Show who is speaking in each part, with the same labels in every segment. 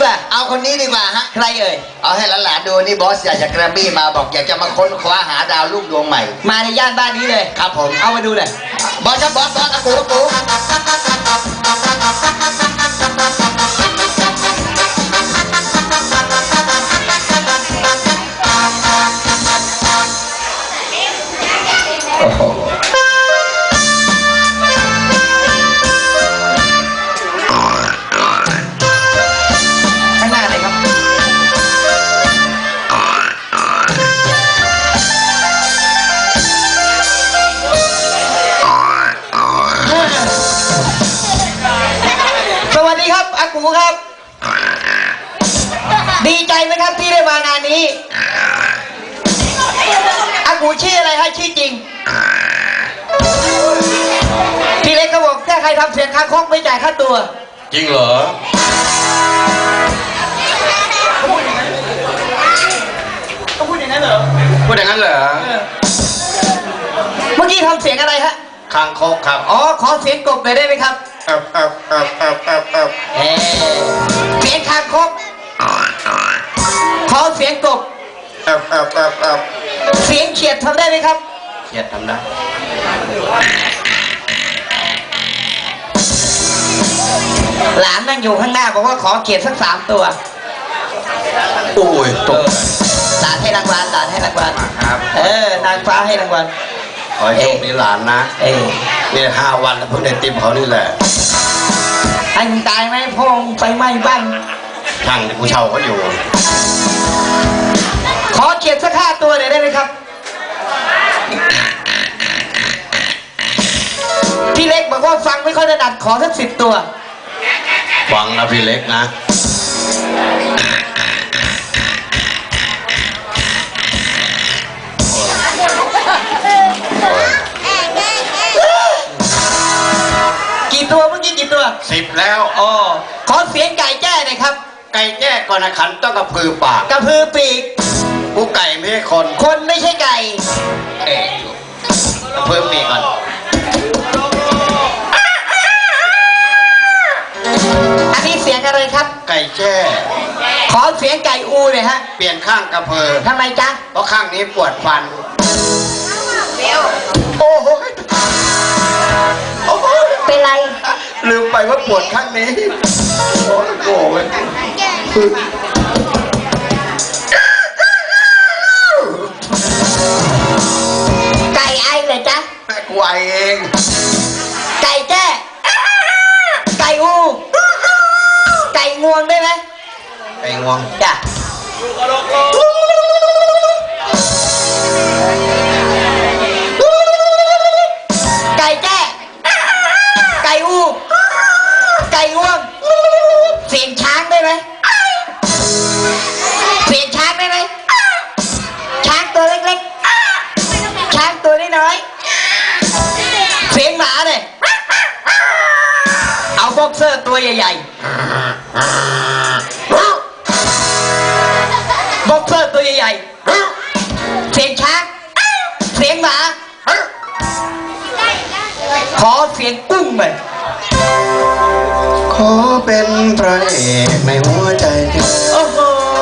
Speaker 1: ล่ะ
Speaker 2: เอาคนนี้ดีกว่าฮะ
Speaker 1: ใครเอ่ย
Speaker 2: เอาให้หลานๆดูนี่บอสอยากจะกระบี้มาบอกอยากจะมาค้นคว้าหาดาวลูกดวงใหม่
Speaker 1: มาในย่านบ้านนี้เลย
Speaker 2: ครับผม
Speaker 1: เอามาดูเลย
Speaker 2: บอสครับบอสอากูโอ้โห
Speaker 1: ข้างหน้าเลยครับสวัสดีครับอากูครับดีใจไหมครับที่ได้มางานนี้อากูชื่ออะไรฮะชื่อจริงพี่เล็กก็บอกถ้าใครทำเสียงคางคกไม่จ่ายค่าตัว
Speaker 3: จริงเหรอ
Speaker 1: ก็พูดอย่างนั้นเหรอ
Speaker 3: พูดอย่างนั้นเหรอ
Speaker 1: เมื่อกี้ทำเสียงอะไรฮะ
Speaker 3: คางคกครับ
Speaker 1: อ๋อขอเสียงกบหน่อยได้ไหมครับเสียงคางคกขอเสียงกบเสียงเขียดทำได้ไหมครับ
Speaker 3: เขียดทำได้
Speaker 1: หลานนั่งอยู่ข้างหน้าบอกว่าขอเขียดสัก3 ตัว
Speaker 3: โอ้ยตก
Speaker 1: หลานให้รางวัลหลานให้รางวัล
Speaker 3: ครับ
Speaker 1: นางฟ้าให้รางวัล
Speaker 3: ขอให้โชคดีหลานนะนี่5 วันแล้วเพิ่งได้ติมเขานี่แหละ
Speaker 1: ให้มึงตายไหมพ่อไปไหม้บ้าน
Speaker 3: ช่างกูเช่าเขาอยู่
Speaker 1: ขอเขียดสัก5 ตัวได้ไหมครับพี่เล็กบอกว่าฟังไม่ค่อยถนัดขอสัก10 ตัว
Speaker 3: ฟังนะพี่เล็กนะ
Speaker 1: กี่ตัวเมื่อกี้กี่ตัว
Speaker 3: 10แล้ว
Speaker 1: อ๋อขอเสียงไก่แจ้หน่อยครับ
Speaker 3: ไก่แจ้ก่อนนะขันต้องกระพือปาก
Speaker 1: กระพือปีก
Speaker 3: กูไก่ไม่ใช่คน
Speaker 1: คนไม่ใช่ไก่
Speaker 3: กระพือปีกก่อน
Speaker 1: อันนี้เสียงอะไรครับ
Speaker 3: ไก่แจ้
Speaker 1: ขอเสียงไก่อูหน่อยฮะ
Speaker 3: เปลี่ยนข้างกระพือ
Speaker 1: ทำไมจ๊ะ
Speaker 3: เพราะข้างนี้ปวดฟัน
Speaker 1: โอ้โหเป็นไร
Speaker 3: ลืมไปว่าปวดข้างนี้โอ้โห
Speaker 1: ไก่ไอเลยจ๊ะ
Speaker 3: แม่กูไอเอง
Speaker 1: ไก่แจ้ไก่อูไก่งวงได้ไหม
Speaker 3: ไก่งวง
Speaker 1: จ้ะไก่แจ้ไก่อูไก่งวงเสียงช้างได้ไหมเสียงช้างได้ไหมช้างตัวเล็กๆช้างตัวน้อยๆเสียงหมาเนี่ยเอาบ็อกเซอร์ตัวใหญ่ๆบ็อกเซอร์ตัวใหญ่ๆเสียงช้างเสียงหมาขอเสียงกุ้งหน่อย
Speaker 3: ขอเป็นพระเอกในหัวใจ
Speaker 1: โอ้โห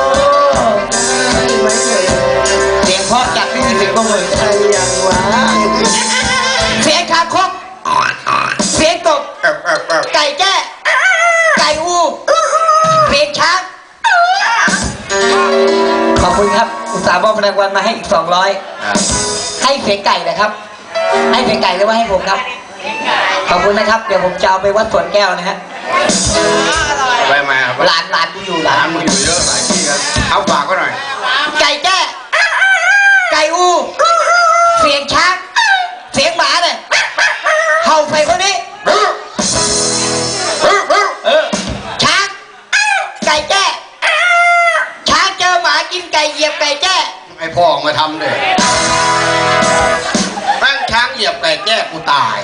Speaker 1: เสียงเพราะจัดไม่มีเสียงก็เลย
Speaker 3: ใครยังวะ
Speaker 1: เสียงคางคกเสียงกบไก่แจ้ไก่อูเสียงช้างขอบคุณครับอุตส่าห์มอบรางวัลมาให้อีก200ให้เสียงไก่นะครับให้เสียงไก่หรือว่าให้ผมครับขอบคุณนะครับเดี๋ยวผมจะเอาไปวัดสวนแก้วนะฮะ
Speaker 3: ไปมา
Speaker 1: หลานกูอยู่หลาน
Speaker 3: มึงอยู่เยอะหลายที่กันเอาฝากก็หน่อย
Speaker 1: ไก่แจ้ไก่อูเสียงช้างเสียงหมาเนี่ยเห่าใส่คนนี้ช้างไก่แจ้ช้างเจอหมากินไก่เหยียบไก่แจ้
Speaker 3: ไอพ่อออกมาทำเลยแม่งช้างเหยียบไก่แจ้กูตาย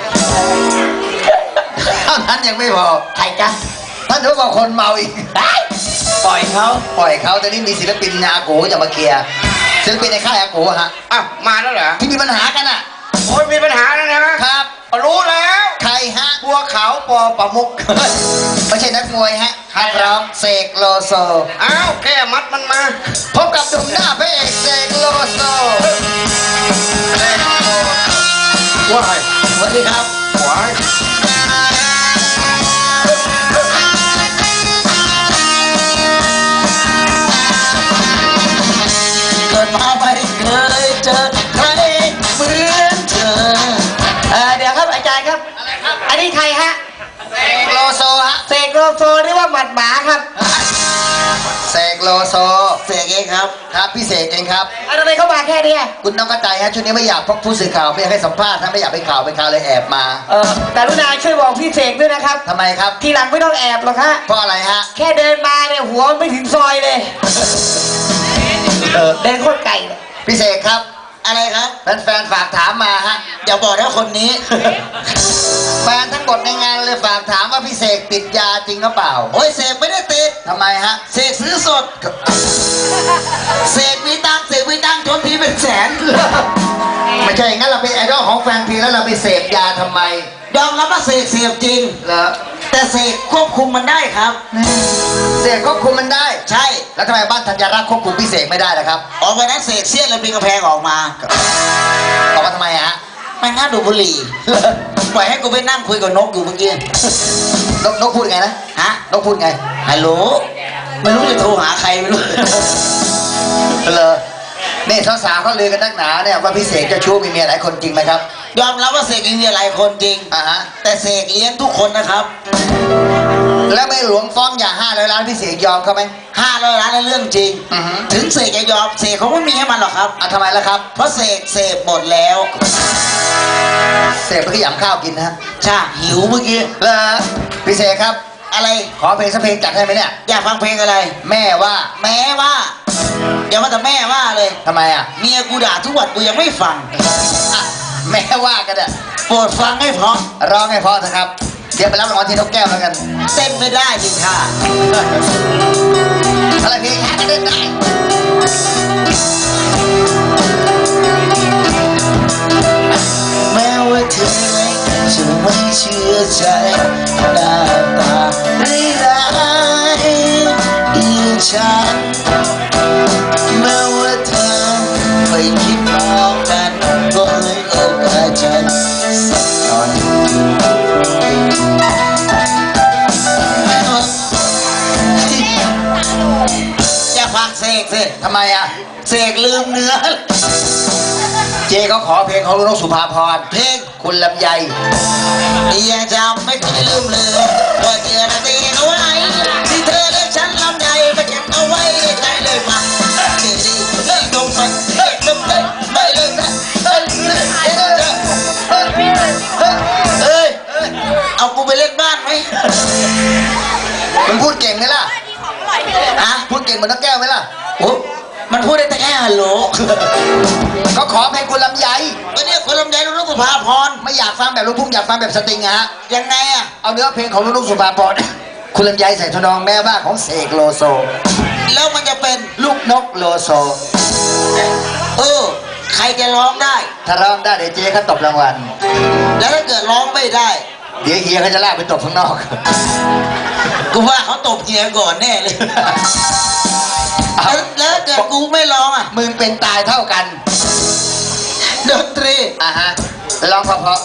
Speaker 2: เท่านั้นยังไม่พอ
Speaker 1: ใครจ๊ะ
Speaker 2: ท่านรู้ว่าคนเมาอีก
Speaker 1: ปล่อยเขา
Speaker 2: แต่นี่มีศิลปินอาโกจะมาเคลียร์ศิลปินในค่ายอาโกฮะ
Speaker 3: อ้าวมาแล้วเหรอ
Speaker 2: ที่มีปัญหากันอ่ะ
Speaker 3: โอ้ยมีปัญหาแล้วนะครับ
Speaker 2: รู้แล้วใครฮะ
Speaker 3: บัวขาวปอประมุก
Speaker 2: ไม่ใช่นักมวยฮะนักร้องเสกโลโซ
Speaker 3: อ้าวแก้มัดมันมา
Speaker 2: พบกับหนุ่มหน้าพระเอกเสกโลโซ
Speaker 3: ว้าย
Speaker 2: สวัสดีครับ
Speaker 3: ว้าย
Speaker 1: เกิดมาไม่เคยเจอใครเหมือนเธอเดี๋ยวครับอาจารย์ครับ อันนี้ใครฮะ
Speaker 2: เสกโลโซฮะ
Speaker 1: เสกโลโซหรือว่าหมัดหมาครับ
Speaker 2: เสกโลโซ
Speaker 1: เสกเองครับ
Speaker 2: ครับพี่เสกเองครับ
Speaker 1: เอาทำไมเข้ามาแค่เนี้ย
Speaker 2: คุณต้องเข้าใจฮะช่วงนี้ไม่อยากพบผู้สื่อข่าวไม่อยากให้สัมภาษณ์ถ้าไม่อยากเป็นข่าวเลยแอบมา
Speaker 1: แต่รุณาช่วยบอกพี่เสกด้วยนะครับ
Speaker 2: ทำไมครับ
Speaker 1: ทีหลังไม่ต้องแอบหรอกฮะ
Speaker 2: เพราะอะไรฮะ
Speaker 1: แค่เดินมาเนี่ยหัวไม่ถึงซอยเลยเดินโคตรไกลเลย
Speaker 2: พี่เสกครับ
Speaker 1: อะไรครับ
Speaker 2: แฟนๆฝากถามมาฮะ
Speaker 1: อย่าบอกนะคนนี้
Speaker 2: แฟนทั้งหมดในงานเลยฝากถามว่าพี่เสกติดยาจริงหรือเปล่า
Speaker 1: โอ้ยเสกไม่ได้ติด
Speaker 2: ทำไมฮะ
Speaker 1: เสกซื้อสด เสกมีตังค์จนทีเป็นแสน
Speaker 2: ไม่ใช่อย่างนั้นเราเป็นไอดอลของแฟนพีแล้วเราไปเสพยาทำไม
Speaker 1: ยอมรับว่าเสกเสพจริง
Speaker 2: เหรอ
Speaker 1: แต่เสกควบคุมมันได้ครับ
Speaker 2: เสกควบคุมมันได้
Speaker 1: ใช่
Speaker 2: แล้วทำไมบ้านธัญรักษ์ควบคุมพี่เสกไม่ได้ล่ะครับ
Speaker 1: ออกไปนั้นเสกเสี้ยนเลยปีนกระแพงออกมา
Speaker 2: ออกมาทำไมฮะ
Speaker 1: ไม่งั้นดูดบุหรี่ปล่อยให้กูไปนั่งคุยกับนกอยู่เมื่อกี้
Speaker 2: นกพูดไงนะ
Speaker 1: ฮะ
Speaker 2: นกพูดไง
Speaker 1: ฮัลโหลไม่รู้จะโทรหาใครไม่รู้
Speaker 2: เลยนี่สาวๆเขาลือกันนักหนาเนี่ยว่าพี่เสกเจะชู้มีเมียหลายคนจริงไหมครับ
Speaker 1: ยอมรับว่าเสกมีหลายคนจริง
Speaker 2: อ่าฮะ
Speaker 1: แต่เสกเลี้ยงทุกคนนะครับ
Speaker 2: แล้วไม่หลวงฟ้องอย่า500 ล้านพี่เสกยอมเขาไหม
Speaker 1: 500 ล้านนั่นเรื่องจริง
Speaker 2: อือฮึ
Speaker 1: ถึงเสกจะยอมเสกเขาไม่มีให้มันหรอกครับ
Speaker 2: อ่ะทำไมล่ะครับ
Speaker 1: เพราะเสกเสพหมดแล้ว
Speaker 2: เสกไปขยำข้าวกินนะฮะ
Speaker 1: ใช่หิวเมื่อกี้
Speaker 2: แล้วพี่เสกครับ
Speaker 1: อะไร
Speaker 2: ขอเพลงสักเพลงจัดให้ไหมเนี่ย
Speaker 1: อยากฟังเพลงอะไร
Speaker 2: แม่ว่า
Speaker 1: แม้ว่าอย่ามาแต่แม่ว่าเลย
Speaker 2: ทำไมอ่ะ
Speaker 1: เมียกูด่าทุกวันกูยังไม่ฟัง
Speaker 2: อ่ะแม่ว่ากันอ่ะ
Speaker 1: โปรดฟังให้พร้อม
Speaker 2: ร้องให้เพอนะครับ เดี๋ยวไปรับรางวัลที่นกแก้วแล้วกัน
Speaker 1: เต้นไม่ได้จริงค่ะ
Speaker 2: อะไรเพลงแค่ก็เล่นได้
Speaker 1: แม้ว่าเธอจะไม่เชื่อใจหน้าตาร้ายอีฉันแม้ว่าเธอไม่คิดมองกันก็เลยโอกาสฉันสักหน่อยอย่าฟังเสกสิ
Speaker 2: ทำไมอ่ะ
Speaker 1: เสกลืมเนื้อ
Speaker 2: เจเขาขอเพลงของลุงนกสุภาพร
Speaker 1: เพลง
Speaker 2: คุณลำไย
Speaker 1: ยังจำไม่เคยลืมเลยว่าเจอนาทีเอาไว้ที่เธอและฉันลำใหญ่มาเก็บเอาไว้ในใจเลยมาเจอดีเลิกดมไปเลิกดมไปไม่เลิกนะเอ้ยเอากูไปเล่นบ้านไหม
Speaker 2: มึงพูดเก่งไหมล่ะ
Speaker 1: ฮะ
Speaker 2: พูดเก่งเหมือนนกแก้วไหมล่ะ
Speaker 1: โอ้มันพูดได้แต่แค่ฮัลโหล
Speaker 2: เขาขอเพลงคุณลำไย
Speaker 1: ก็เนี่ยคนลำใหญ่ลูกนกสุภาพร
Speaker 2: ไม่อยากฟังแบบลูกทุ่งอยากฟังแบบสตริงอะฮะ
Speaker 1: ยังไงอะ
Speaker 2: เอาเนื้อเพลงของลุงนกสุภาพร คุณลำไยใส่ทนองแม่บ้าของเสกโลโซ
Speaker 1: แล้วมันจะเป็น
Speaker 2: ลูกนกโลโซ
Speaker 1: ใครจะร้องได้
Speaker 2: ถ้าร้องได้เดี๋ยวเจ๊เขาตบรางวัล
Speaker 1: แล้วถ้าเกิดร้องไม่ได้
Speaker 2: เดี๋ยวเฮียเขาจะลากไปตบข้างนอก
Speaker 1: กูว่าเขาตบเกียร์ก่อนแน่เลย แล้วถ้าเกิดกูไม่ร้องอ่ะ
Speaker 2: มึงเป็นตายเท่ากัน
Speaker 1: ดนตรี
Speaker 2: อ่ะฮะร้องเพราะ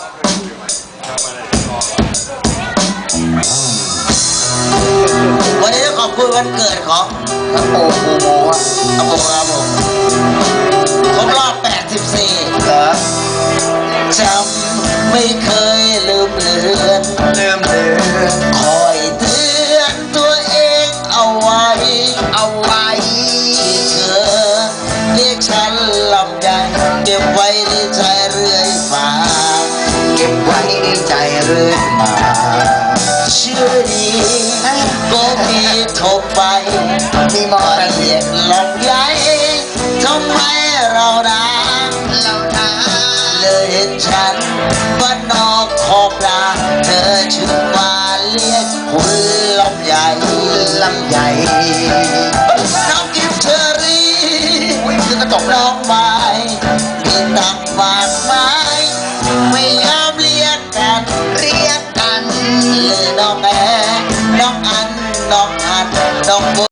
Speaker 1: วันนี้ต้องขอบคุณวันเกิดของ
Speaker 2: ๆทั้งโอ้โหโมอ่ะ
Speaker 1: ครับผมครบรอบ 84
Speaker 2: เหรอ
Speaker 1: จำไม่เคยลืมเลือน
Speaker 2: ลืมเลย
Speaker 1: คอยเตือนตัวเองเอาไว้
Speaker 2: เอาไว้
Speaker 1: ที่เธอเรียกฉันลำใหญ่เก็บไว้ในใจเรื่อยมา
Speaker 2: เก็บไว้ในใจเรื่อยมา
Speaker 1: ชื่อนี้ก็มีโทรไป
Speaker 2: มีมอ
Speaker 1: ก็
Speaker 2: เตอร์
Speaker 1: เรียกลำใหญ่ทำไมเราดัง
Speaker 2: เราทา
Speaker 1: เลยเห็นฉันบ้านนอกขอบลาเธอชื่อมาเรียกคุณลำใหญ่
Speaker 2: ลำใหญ่
Speaker 1: น้องกิฟเชอรี่
Speaker 2: อุ้ยคือกระตก
Speaker 1: น้องไม้มีตังค์